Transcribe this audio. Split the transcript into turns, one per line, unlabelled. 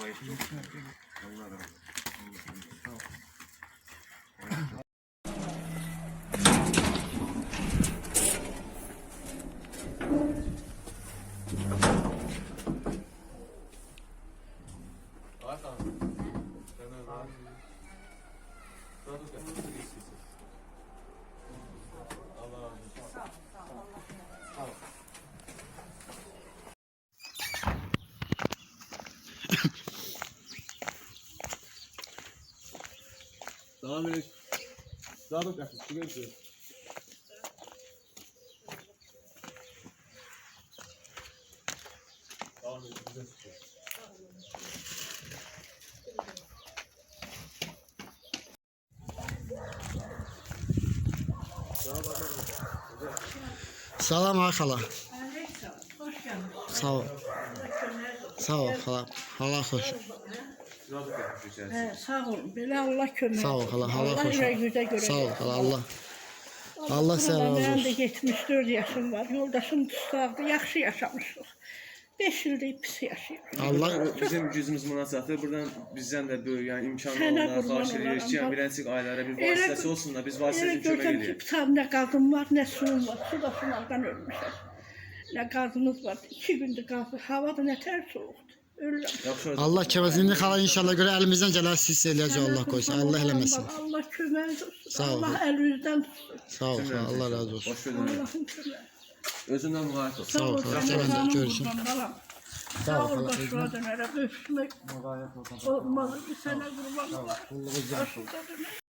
Allah razı olsun. Devam edelim. Daha da yakın. Şu görüşürüz. Devam edelim. Güzel çıkıyor.
Salam hala.
Hoş geldin.
Sağ ol. Sağ ol hala. Hala hoş.
Daha da yakın.
Sağ olun. Belə Allah kömək.
Sağ ol hala. Hala
Allah
hoş.
yüzə görə.
Sağ ol hala. Allah sənə razı
Mənim də
olsun.
74 yaşım var. Yoldaşım sağdı. Yaxşı yaşamışıq. 5 ildir pis yaşayırıq.
Allah
Bizim gücümüz münasibətdir. Buradan bizdən də böyük, yəni imkanlı
Sənə
olanlara
qurban
xahiş edirik ki, yəni
olaram.
birəncik ailələrə bir vasitəsi olsun da biz vasitə
Elə
üçün kömək
görürəm ki,
edirik.
pitab nə qazım var, nə suyum var. Su da sunaqdan ölmüşəm. Nə qazımız var. 2 gündür qazı. Hava da nətər soğuqdur. Ölürəm.
Yaxşı olsun.
Allah kəvəsini xala inşallah görə əlimizdən gələr siz eləyəcək Allah qoysun. Allah eləməsin.
Allah kömək olsun.
Sağ ol.
Allah əlinizdən tutsun.
Sağ ol xala. Allah razı olsun.
Boş verin.
Allah'ın köməyi.
Özündən müğayət ol.
Sağ ol xala. Sənin də görüşün.
Sağ ol başına dönərəm. Öpüşmək olmaz. Bir sənə qurban olar. Başına dönərəm.